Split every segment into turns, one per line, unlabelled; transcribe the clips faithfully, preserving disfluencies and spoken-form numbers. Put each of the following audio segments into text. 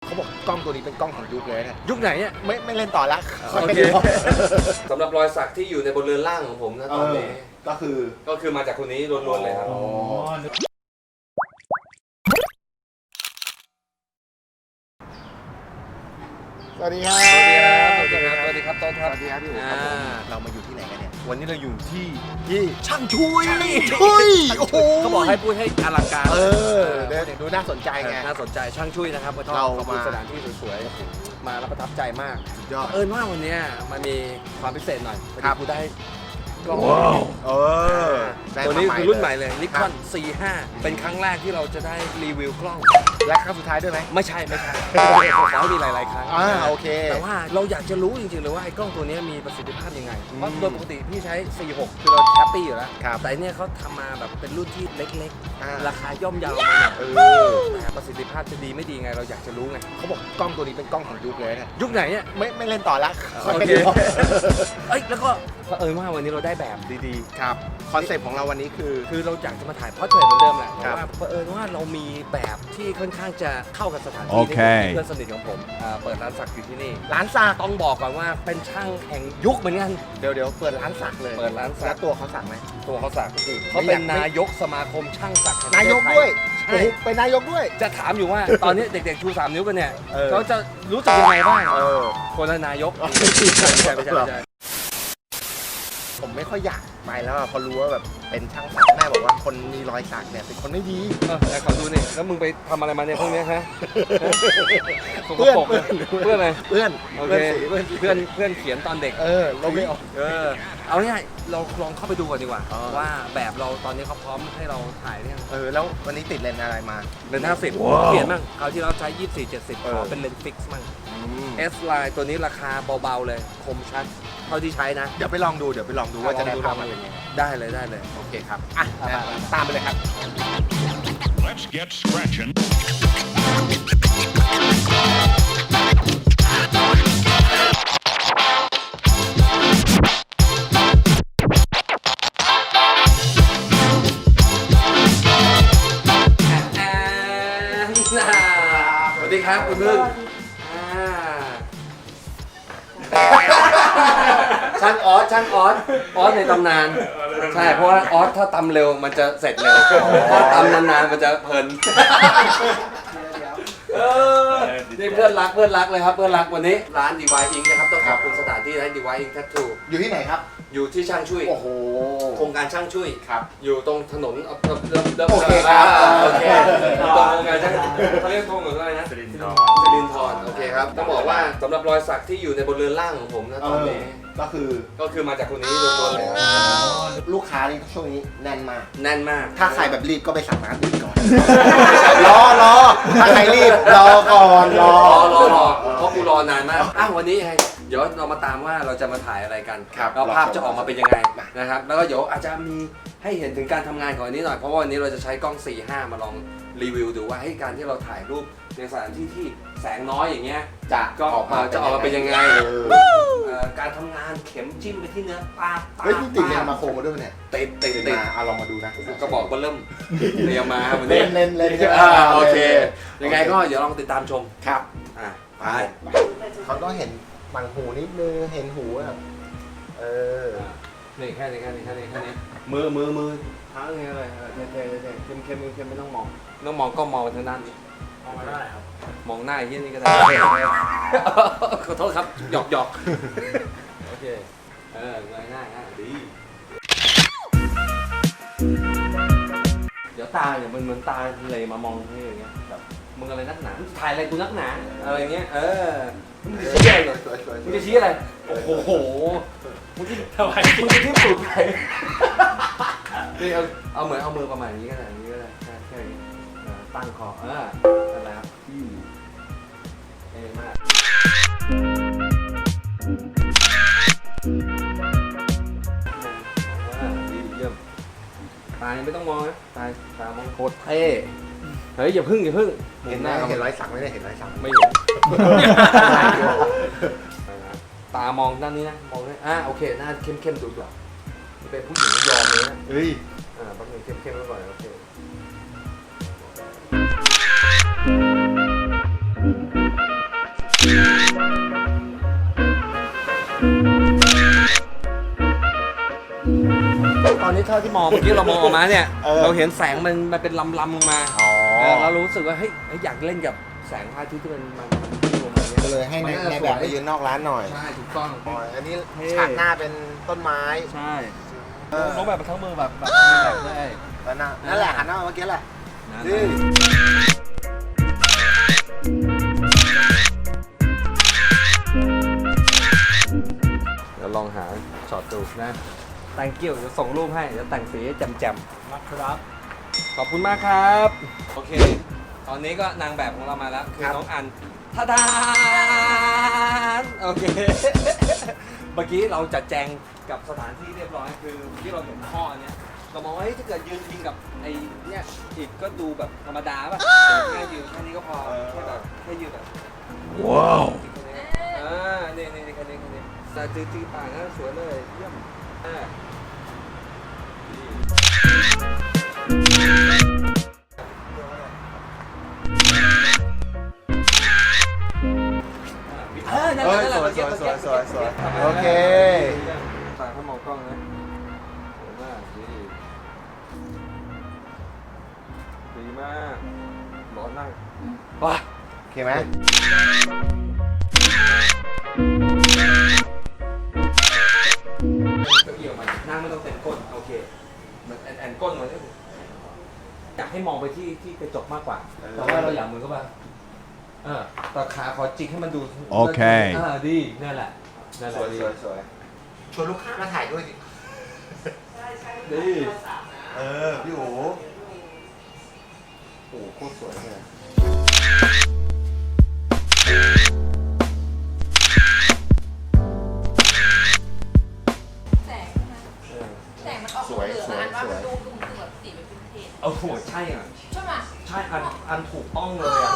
เขาบอกกล้องตัวนี้เป็นกล้องของยุคเลยนะ
ยุคไหนเนี่ย
ไม่ไม่เล่นต่อละ
โอเคสำหรับรอยสักที่อยู่ในบนเรือนร่างของผมนะตอนนี้
ก็คือ
ก็คือมาจากคนนี้ล้วนๆเลยครับ
สวัสดีครับ
สวัสดีครับสวัสดีครับสวัสดีครับต้นครับ
สวัสดีครับพี่อู๋ครับเรามาอยู่ที่ไหนกันเนี่ย
วันนี้เราอยู่ที่
ที่ช่างช่วยช่วยโอ้โห
เขาบอกให้พูดให้อลังการ
เออเดี๋ยวดูน่าสนใจไง
น่าสนใจช่างช่วยนะครับ
เรา
มาสถานที่สวยๆมาแล้วประทับใจมาก
สุดยอด
เอิญว่าวันนี้มันมีความพิเศษหน่อย
ครับ
กูได้กล้อง
เออ
ตัวนี้คือรุ่นใหม่เลย Nikon ซีห้าเป็นครั้งแรกที่เราจะได้รีวิวกล้อง
และครั้งสุดท้ายด้วยไหม
ไม่ใช่ไม่ใช่ขอให้มีหลายๆครั้ง
อ่าโอเค
แต่ว่าเราอยากจะรู้จริงๆเลยว่าไอ้กล้องตัวนี้มีประสิทธิภาพยังไงเพราะโดยปกติพี่ใช้สี่หกคือเราแฮปปี้อยู่แล้วแต่เนี่ยเขาทำมาแบบเป็นรุ่นที่เล็กๆราคาย่อมเยามาเนี่ยแต่ประสิทธิภาพจะดีไม่ดีไงเราอยากจะรู้ไง
เขาบอกกล้องตัวนี้เป็นกล้องของยุคเลยนะ
ยุคไหนเนี่ย
ไม่ไม่เล่นต่อละ
โอเคเอ้ยแล้วก็เออว่าวันนี้เราได้แบบดี
ๆครับคอนเซ็ปต์ของเราวันนี้คือ
คือเราอยากจะมาถ่ายพอร์เทรตเหมือนเดิมแหละแต่ว่าเออว่าเรามีแบบที่ค่อนข้างจะเข้ากับสถานที่ที่เพื่อนสนิทของผมเปิดร้านสักอยู่ที่นี่
ร้านสัก
ต้องบอกก่อนว่าเป็นช่างแห่งยุคเหมือนกัน
เดี๋ยวเดี๋ยวเปิดร้านสักเลย
เปิดร้านสัก
แล้วตัวเขาสักไหม
ตัวเขาสักเขาเป็นนายกสมาคมช่างสัก
นายกด้วยใช่เป็นนายกด้วย
จะถามอยู่ว่าตอนนี้เด็กๆชูสามนิ้วกันเนี่ยเขาจะรู้สึกยังไงบ้างคนละนายกไม่ใช่ไม่ใช่ไม่ใช่
ผมไม่ค่อยอยากไปแล้วพอรู้ว่าแบบเป็นช่างสักแม่บอกว่าคนมีรอยสักเนี่ยเป็นคนไม่ดี
แต่ขอดูนี่แล้วมึงไปทำอะไรมาเนี่ยพวกนี้ฮะ
เพื่อน
เพื่อนอะไร
เพื่อน
โอเคเพื่อนเพื่อนเพื่อนเขียนตอนเด็ก
เออเราไม่ออก
เออเอาง่ายเราลองเข้าไปดูก่อนดีกว่าว่าแบบเราตอนนี้เขาพร้อมให้เราถ่ายเนี่ย
เออแล้ววันนี้ติดเลนส์อะไรมา
เลนส์ห้าสิบเปลี่ยนมั่งคราวที่เราใช้ยี่สิบสี่ เจ็ดสิบขอเป็นเลนส์ฟิกซ์มั่ง S Line ตัวนี้ราคาเบาๆเลยคมชัดเท่าที่ใช้นะ
เดี๋ยวไปลองดูเดี๋ยวไปลองดูว่าจะได้ภาพมาเป็นยังไง
ได้เลยได้เลย
โอเคครับอ่ะตามไปเลยครับ
Let's get scratching
สวัสดีครับคุณพึ่งช่างออสช่างออสออสในตำนานใช่เพราะว่าออสถ้าตำเร็วมันจะเสร็จเร็วถ้าตำนานๆมันจะเพลินนี่เพื่อนรักเพื่อนรักเลยครับเพื่อนรักวันนี้ร้าน ดี วาย Ink นะครับต้องขอบคุณสถานที่ร้าน ดี วาย Ink Tattoo
อยู่ที่ไหนครับ
อยู่ที่ช่างช่วย
โอ้โห
โครงการช่างช่วย
ครับ
อยู่ตรงถนน
โอเคครับ
โอเคตรงโครงการช่างเขาเรียกถนนอะไรนะสิรินทร์สิรินทร์โอเคครับต้องบอกว่าสำหรับรอยสักที่อยู่ในบนเรือนร่างของผมนะตอนนี้
ก็คือ
ก็คือมาจากคนนี้ล้วนๆเลย
ลูกค้านี่ช่วงนี้แน่นมาก
แน่นมาก
ถ้าใครแบบรีบก็ไปสั่งร้านอื่นก่อนรอรอถ้าใครรีบรอก่อนรอ
รอรอเพราะกูรอนานมากอ้าววันนี้ไงเดี๋ยวเรามาตามว่าเราจะมาถ่ายอะไรกันแล้วภาพจะออกมาเป็นยังไงนะครับแล้วก็เดี๋ยวอาจจะมีให้เห็นถึงการทำงานของอันนี้หน่อยเพราะว่าวันนี้เราจะใช้กล้อง สี่ห้า มาลองรีวิวดูว่าให้การที่เราถ่ายรูปในสถานที่ที่แสงน้อยอย่างเงี้ย
จะ
ก็ออกมาจะออกมาเป็นยังไงการทำงานเข็มจิ้มไปที่เนื้อปลา
เฮ้ยนี่ติดเลนมาโคมาด้วยเนี่ย
ติดติดติด
เอาลองมาดูนะ
ก็บอกว่าเริ่มเรียมาวัน
นี้
เล่น
เล่น
โอเคยังไงก็เดี๋ยวลองติดตามชม
ครับ
อ่ะไป
เขาต้องเห็นบังหูนิดนึงเห็นหูแบบเออ
นี่แค่นี้แค่นี้แค่นี้แค่นี้มือมือมือเท้าอย่างเงี้ยเลยเท่เท่เท่เข้มเข้มเข้มไม่ต้องมองต้องมองก็มองไปทางด้านนี้มองมาได้ครับมองหน้าไอ้เหี้ยนี่ก็ได้ขอโทษครับหยอกหยอกโอเคเออเงยหน้าง่ายดีเดี๋ยวตาเนี่ยมันเหมือนตาเลยมามองนี่อย่างเงี้ยแบบมึงอะไรนักหนาถ่ายอะไรกูนักหนาอะไรเงี้ยเออมึงจะชี้อะไรมึงจะชี้อะไรโอ้โหมึงที่ทำไมมึงจะที่สุดไปนี่เอาเอาเหมือนเอามือประมาณนี้ก็ได้นี้ก็ได้แค่แค่นี้ตั้งคอเออนั่นแหละครับเท่มากดีเยี่ยมตายไม่ต้องมองนะตายตามองโคตรเท่เฮ้ยอย่าพึ่งอย่าพึ่ง
เห็นหน้าเห็นรอยสักไม่ได้เห็นรอยสัก
ไม่เห็นตามองด้านนี้นะมองได้อ่ะโอเคหน้าเข้มเข้มดูก่อนเป็นผู้หญิงยอมเลยนะ
เฮ้ย
อ่าแป๊บนึงเข้มเข้มไว้ก่อนโอเคตอนนี้เท่าที่มองเมื่อกี้เรามองออกมาเนี่ย
เออ
เราเห็นแสงมันมันเป็นลำลำลงมา
อ๋อ
เออเรารู้สึกว่าเฮ้ยเฮ้ยอยากเล่นกับแสงพระอาทิตย์ที่มันมันมันลงมา
ก็เลยให้ในในแบบไปยืนนอกร้านหน่อย
ใช่ถูกต้อง
อ๋ออันนี้
เท่
ฉากหน้าเป็นต้นไม้
ใช่
เออ
น้องแบบทั้งมือแบบแบบแบบได้
แล้วหน้านั่นแหละหันหน้ามาเมื่อกี้แหละ
นะ
นี่
เดี๋ยวลองหาช็อตดูนะแต่งเกี่ยวจะส่งรูปให้เดี๋ยวแต่งสีให้แจ่มๆนะครับขอบคุณมากครับ โอเค ตอนนี้ก็นางแบบของเรามาแล้วคือน้องอันท่าดานโอเค เมื่อกี้เราจัดแจงกับสถานที่เรียบร้อยคือที่เราเห็นท่อเนี่ยเรามองว่าเฮ้ยถ้าเกิดยืนพิงกับไอ้เนี่ยอีกก็ดูแบบธรรมดาป่ะแค่ยืนแค่นี้ก็พอแค่แบบแค่ยืนแบบ
ว้าว
อ่านี่นี่นี่แค่นี้แค่นี้สายจืดจืดป่านะสวยเลยเยี่ยมอ่าเออนั่นแห
เฮ้
ละ
ย
นั่นแห
ส
ละ
วยสวยสวยสวยสวย
ทำไม
โอเค
ตาเขามองกล้องนะสวยมากดีดีมากร้อนนั่งว้า
โอเคไหม
เก้าอี้ออกมานั่งไม่ต้องเต็มก้นโอเคเหมือนแอนแอนก้นเหมือนอยากให้มองไปที่ที่กระจกมากกว่าแต่ว่าเราอยากมือก็แบบเออแต่ขาขอจิกให้มันดู
โอเค
อ่าดีนั่นแหละนั่นแห
ส
ละ
วย
ดี
สวยสวยชวนลูกค้ามาถ่ายด้วยสิ
ดี
เออพี่โอ๋
โอ้โหโคตรสวยเลย
แสงนะแสงมันออกเหลืองๆนะอันว่ามันดูดูคือแบบสีเป็นวินเทจ
เอาโหใช่อ่ะ
ใช่ไหม
ใช่อันอันถูกต้องเลยอ่ะ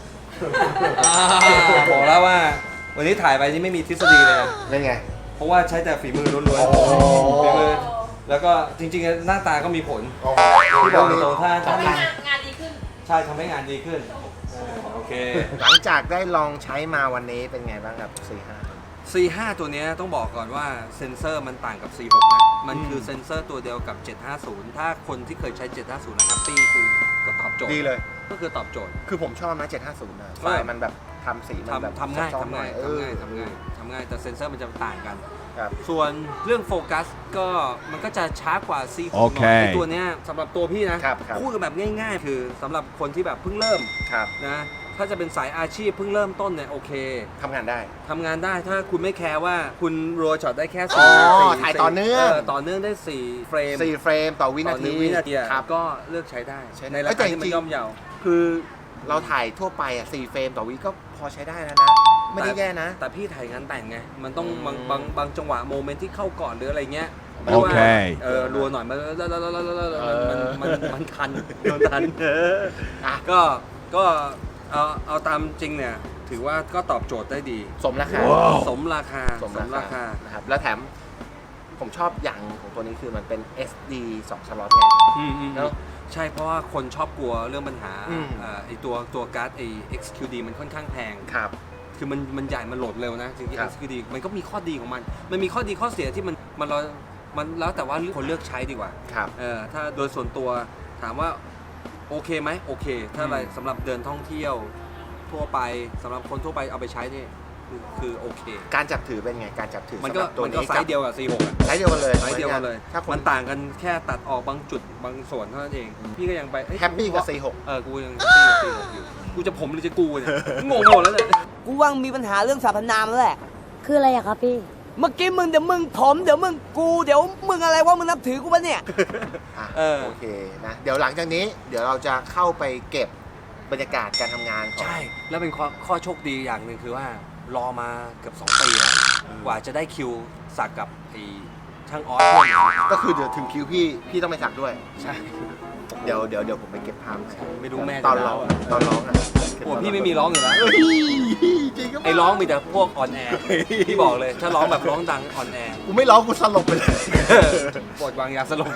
บอกแล้วว่า วันนี้ถ่ายไปนี่ไม่มีทฤษฎีเลยนะ
เล่นไง
เพราะว่าใช้แต่ฝีมือล้วน
โอ้
ๆฝีมือแล้วก็จริงๆหน้าตาก็มีผล
โอ้โห
ที่บอกตรงๆถ้า
ทำให้งานงานดีขึ้น
ใช่ทำให้งานดีขึ้นเออโอเค
หลังจากได้ลองใช้มาวันนี้เป็นไงบ้างครับสี่ห้า
ซี ห้า ตัวเนี้ยต้องบอกก่อนว่าเซ็นเซอร์มันต่างกับ ซี หก นะ มันคือเซ็นเซอร์ตัวเดียวกับ เจ็ดห้าศูนย์ ถ้าคนที่เคยใช้ เจ็ดห้าศูนย์แล้วแฮปปี้คือก็ตอบโจทย์
ดีเลย
ก็คือตอบโจทย์
คือผมชอบนะเจ็ดห้าศูนย์นะไฟล์มันแบบทำสีมันแบบ
ทำทำง่าย
ซอฟ
ทำ
ๆหน่
ง่าย
อเอ
ทำ
อ
ง่ายทำง่ายทำง่ายแต่เซ็นเซอร์มันจะต่างกัน
ครับ
ส่วนเรื่องโฟกัสก็มันก็จะช้ากว่า ซี หก
โอเค
หน่อยไอ้ตัวเนี้ยสำหรับตัวพี่นะครับ
ครับ
พูดกันแบบง่ายๆ คือสำหรับคนที่แบบเพิ่งเริ่ม
ครับ
นะถ้าจะเป็นสายอาชีพเพิ่งเริ่มต้นเนี่ยโอเค
ทำงานได้
ทำงานได้ถ้าคุณไม่แคร์ว่าคุณรัวช็อตได้แค่
อ๋
สี่
อ
สี่
ถ่ายต่อเนื่อง
ต่อเนื่องได้สี่เฟรม
สี่เฟรมต่อวินา
ต่อห
ที
งวินาทีอะ
ครับ
ก็เลือกใช้ได้
ใช้ได้
ในรา
เอ้ยแต่
คาที่มัน
จริง
ย่อมเยา
คือเราถ่ายทั่วไปอ่ะสี่เฟรมต่อวิก็พอใช้ได้แล้วนะ ไม่ได้แย่นะ
แต่พี่ถ่ายงานแต่งไง มันต้อง
อืม
บางบางบางจังหวะโมเมนต์ที่เข้าก่อนหรืออะไรเงี้ย
โอเค
เออรัวหน่อยมันมันมันมันมันทันมันทันเออ
อ่ะ
ก็ก็เอาเอาตามจริงเนี่ยถือว่าก็ตอบโจทย์ได้ดี
สมราคา
ว้าว
สมราคา
สมราคานะครับแล้วแถมผมชอบอย่างของตัวนี้คือมันเป็น เอส ดี สองสล็อตไง
อืมอืม
เนอะ
ใช่เพราะว่าคนชอบกลัวเรื่องปัญหา
อืม
เอ่อไอตัวตัวการ์ดไอ เอ็กซ์ คิว ดี มันค่อนข้างแพง
ครับ
คือมันมันใหญ่ มันโหลดเร็วนะจริงๆ
ครับ
เอ็กซ์ คิว ดี มันก็มีข้อดีของมัน มันมีข้อดีข้อเสียที่มันมันเรามันแล้วแต่ว่าคนเลือกใช้ดีกว่า
ครับ
เออถ้าโดยส่วนตัวถามว่าโอเคไหมโอเค ถ้าอะไร
อืม
สำหรับเดินท่องเที่ยวทั่วไปสำหรับคนทั่วไปเอาไปใช้นี่คือคือโอเค
การจับถือเป็นไงการจับถือ
มัน
สำ
ก็
หรับตัว
มันก็
นี้
ไซส์เดียวกับ ซี หก อะ
ไซส์เดียวกันเลย
ไซส์เดียวกันเลย
ถ้าคน
มันต่างกันแค่ตัดออกบางจุดบางส่วนเท่านั้นเอง พี่ก็ยังไปเอ้ย
แฮปปี้กับ ซี หก
เออ กูยังแฮปปี้กับ ซี หก อยู่ กูจะผมหรือจะกูเนี่ย งงไปหมดแล้วเนี่ย
กูว่ามีปัญหาเรื่องสรรพนามแล้วแหละ
คืออะไรอะครับพี่
เมื่อกี้มึงเดี๋ยวมึงผมเดี๋ยวมึงกูเดี๋ยวมึงอะไรว่ามึงนับถือกูปะเนี่ย
อ่ะ
เออ
โอเคนะเดี๋ยวหลังจากนี้เดี๋ยวเราจะเข้าไปเก็บบรรยากาศการทำงานของ
ใช่ แล้วเป็นข้อข้อโชคดีอย่างหนึ่งคือว่า รอมาเกือบสองปีแล้ว กว่าจะได้คิวสักกับไอ้ช่างออสเพื่อนผม
ก็คือเดี๋ยวถึงคิวพี่พี่ต้องไปสักด้วย
ใช่
เดี๋ยวเดี๋ยวเดี๋ยวผมไปเก็บภาพ
ไม่รู้แม่
ตอน
จะ
ร้อง
เล่า
ตอนร้องอ่ะ
โอ้พี่ไม่มีร้องอยู่แล้ว
เฮ้ยจริงก็
ไอ้ร้องมีแต่พวกอ่อนแอพี่บอกเลย ถ้าร้องแบบร้องดังอ่อนแอ
กูไม่ร้องกูสลบไปเลย
ปวดวางยาสลบ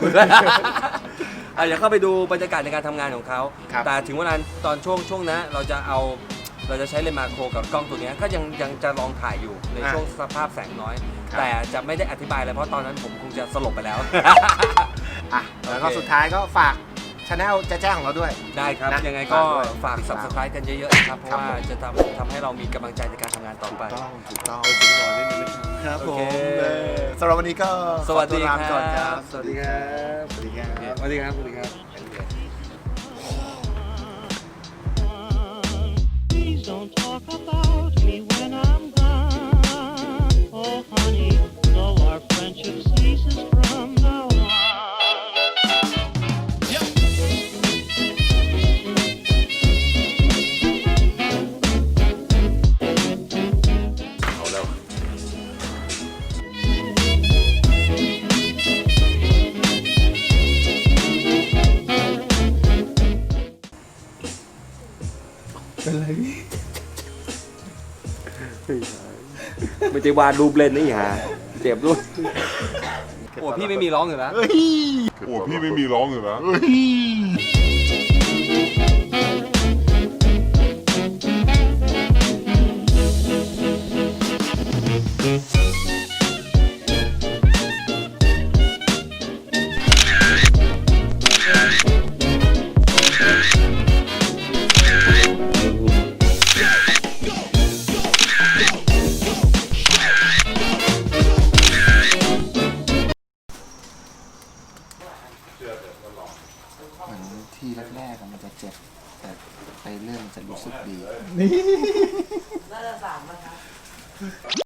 อ่ะเดี๋ยวเข้าไปดูบรรยากาศในการทำงานของเขา
ครับ
แต่ถึงเวลาตอนช่วงช่วงนั้นเราจะเอาเราจะใช้เลนส์มาโครกับกล้องตัวเนี้ยก็ยังยังจะลองถ่ายอยู่ในช่วงสภาพแสงน้อย แต่จะไม่ได้อธิบายเลยเพราะตอนนั้นผมคงจะสลบไปแล้ว
อ่ะแล้วก็
โอเค
สุดท้ายก็ฝากช anel แจ๊ะๆของเราด้วย
ได้ครับ
นะ
ยังไงก็
ฝากด้วย
ฝาก
ติดตาม
subscribe กันเยอะๆนะครับเพราะ
ครับ
ว่า
ผม
จะทำทำให้เรามีกำลังใจในการทำงานต่อไป
ถูกต้องถูกต้อง
เออถึงหน่อยนิดนึงนะครับ
ผม
โอเค
เออสำหรับวันนี้ก็
สวัสดี
ขอตัวลาไป
ค
ก่อนค
รั
รั
บบ สวัสดีครับ
สวัสดีครับ
สวัสดีครับสวัสดีครับ
Please don't talk about me when I'm gone. Oh, honey, though our friendship ceases from now on.
เอาแล้ว
ไม่ได้วาดรูปเล่นนี่ฮะเจ็บด้วยโอ้พี่ไม่มีร้องอยู่แล้ว
โอ้พี่ไม่มีร้องอยู่แล้ว
เหมือนที่แรกๆมันจะเจ็บ แต่ไปเรื่อยมันจะรู้สึกดี
น่าจะสามนะครับ